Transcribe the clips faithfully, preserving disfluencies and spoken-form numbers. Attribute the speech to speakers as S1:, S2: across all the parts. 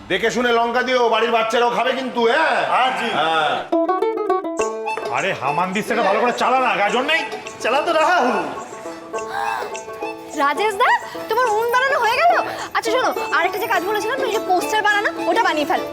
S1: দেখে শুনে লঙ্কা দিও, বাড়ির বাচ্চারাও খাবে কিন্তু। হ্যাঁ হ্যাঁ।
S2: আরে হামানদিস থেকে ভালো করে চালা না, গাজন নেই, চালা তো রাহা হুঁ।
S3: রাজেশ দা, তোমার উন বানানো হয়ে গেল? আচ্ছা শোনো, আরেকটা যে কাজ বলেছিলাম, তুমি যে পোস্টার বানানো, ওটা বানিয়ে ফেল।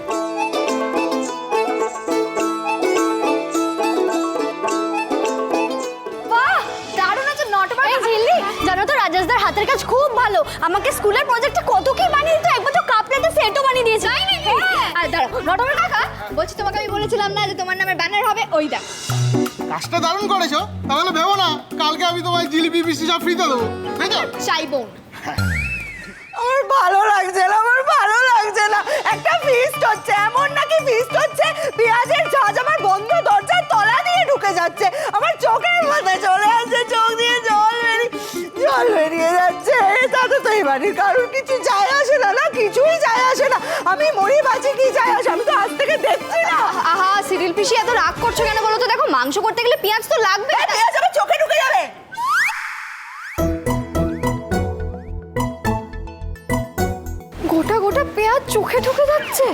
S3: বাহ, দারুণ আছে নটবার। এই ঝিল্লি, জানো তো রাজেশ দার হাতের কাজ খুব ভালো। আমাকে স্কুলের প্রজেক্টে কত কি বানিয়ে দিত, একবার তো কাপ প্লেটের সেটও বানিয়ে দিয়েছে। তাই নাকি? আর দাঁড়াও, নটবার কাকা, বলছি তোমাকে আমি বলেছিলাম না যে তোমার নামের ব্যানার হবে, ওই দেখ।
S4: কাজটা দারুণ করেছো, তাহলে ভেবো না কালকে আমি তোমায় জিলিপি মিষ্টি সব ফ্রিতে দেবো, তাই তো?
S3: চাইবো।
S5: আমার ভালো লাগছে না, আমার ভালো লাগছে না। একটা ফিস্ট হচ্ছে, এমন নাকি ফিস্ট হচ্ছে পেঁয়াজের ঝাঁজ আমার বন্ধ দরজার তলা দিয়ে ঢুকে যাচ্ছে, আমার চোখের মধ্যে চলে আসছে, চোখ দিয়ে জল বেরিয়ে জল বেরিয়ে যাচ্ছে। তাতে তো এই বাড়ির কারোর কিছু যায় আসে না, না কিছুই যায় আসে না। আমি মরি বাঁচি কি যায় আসে, আমি তো আজ থেকে দেখছি না।
S3: আহা সিরিল পিসি, এত রাগ করছো কেন বলো তো? দেখো মাংস করতে গেলে পেঁয়াজ তো লাগবে।
S5: পেঁয়াজ আমার চোখে ঢুকে যাবে।
S3: গোটা গোটা পেঁয়াজ চোখে ঢুকে যাচ্ছে।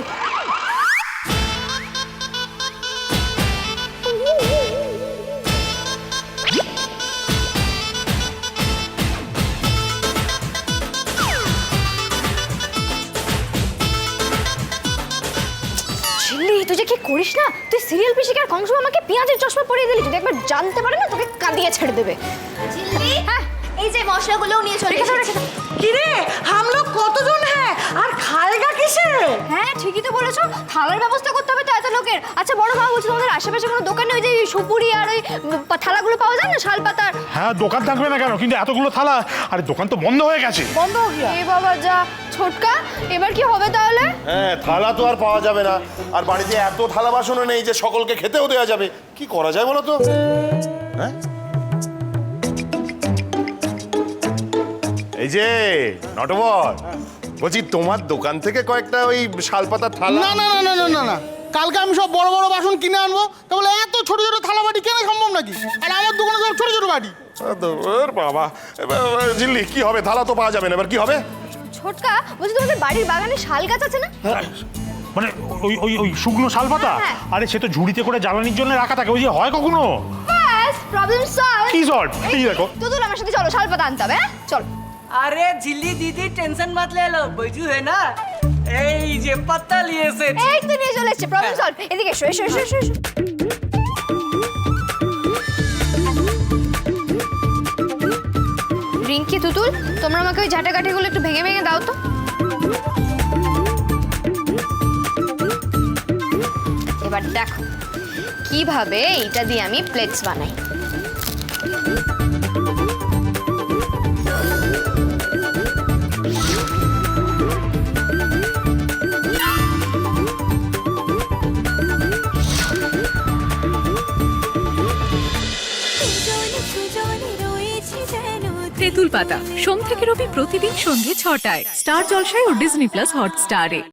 S3: ঝিল্লি, তুই যে কি করিস না, তুই সিরিয়াল পিসিকে আর কংস আমাকে পেঁয়াজের চশমা পরিয়ে দিলি। যদি একবার জানতে পারে না, তোকে কাঁদিয়ে ছেড়ে দেবে। ঝিল্লি, হ্যাঁ এই যে মশলাগুলো নিয়ে চলে এসেছি।
S5: কি রে, হাম লোক কতজন? হ্যাঁ, আর খায়গা কিসে?
S3: হ্যাঁ ঠিকই তো বলেছো, থালার ব্যবস্থা করতে হবে তো এত লোকের। আচ্ছা বড় বাবা, বলছি তোমাদের আশেপাশে কোনো দোকানে ওই যে সুপুরি আর ওই থালাগুলো পাওয়া যায় না, শাল পাতার?
S2: হ্যাঁ দোকান থাকবে না কেন, কিন্তু এতগুলো থালা, আরে দোকান তো বন্ধ হয়ে গেছে।
S5: বন্ধ হয়ে গিয়া।
S3: এ বাবা যা, ছোটকা এবার কি হবে তাহলে?
S1: হ্যাঁ, থালা তো আর পাওয়া যাবে না, আর বাড়িতে এত থালা বাসনও নেই যে সকলকে খেতেও দেওয়া যাবে। কি করা যায় বলো তো? হ্যাঁ, এই যে নটবর, বলছি তোমার দোকান থেকে কয়েকটা ওই শালপাতার থালা।
S4: না না না না না না না কালকে আমি সব বড় বড় বাসন কিনে আনবো, তাহলে এত ছোট ছোট থালা বাটি কেনা সম্ভব নাকি? আর আমার দোকানে সব ছোট ছোট বাটি।
S1: ওর বাবা, এবার ঝিল্লি কি হবে? থালা তো পাওয়া যাবে না, এবার কি হবে?
S3: ছোটকা, বলছি তোমাদের বাড়ির বাগানে শাল গাছ আছে না?
S2: মানে ওই ওই ওই শুকনো শাল পাতা?
S3: হ্যাঁ।
S2: আরে সে তো ঝুড়িতে করে জ্বালানির জন্য রাখা থাকে, ওই যে হয় কখনো।
S3: ব্যাস, প্রবলেম সলভ।
S2: কি সল্ভ? এই দেখো।
S3: তুতুল আমার সাথে চলো, শাল পাতা আনতে হবে। হ্যাঁ চল।
S6: अरे झिल्ली दीदी टेंशन मत ले लो, बैजू है ना, এই যে পাতা লিয়েছে।
S3: এই তো নিয়ে চলে এসেছে, প্রবলেম সলভ। এদিকে এসো এসো এসো এসো এসো। রিঙ্কি, তুতুল, তোমরা আমাকে ওই ঝাঁটাকাঠিগুলো একটু ভেঙে ভেঙে দাও তো। এবার দেখো কিভাবে এইটা দিয়ে আমি প্লেটস বানাই।
S7: তেঁতুল পাতা সোম থেকে রবি প্রতিদিন সন্ধ্যে ছটায় স্টার জলসায় ও ডিজনি প্লাস হটস্টারে।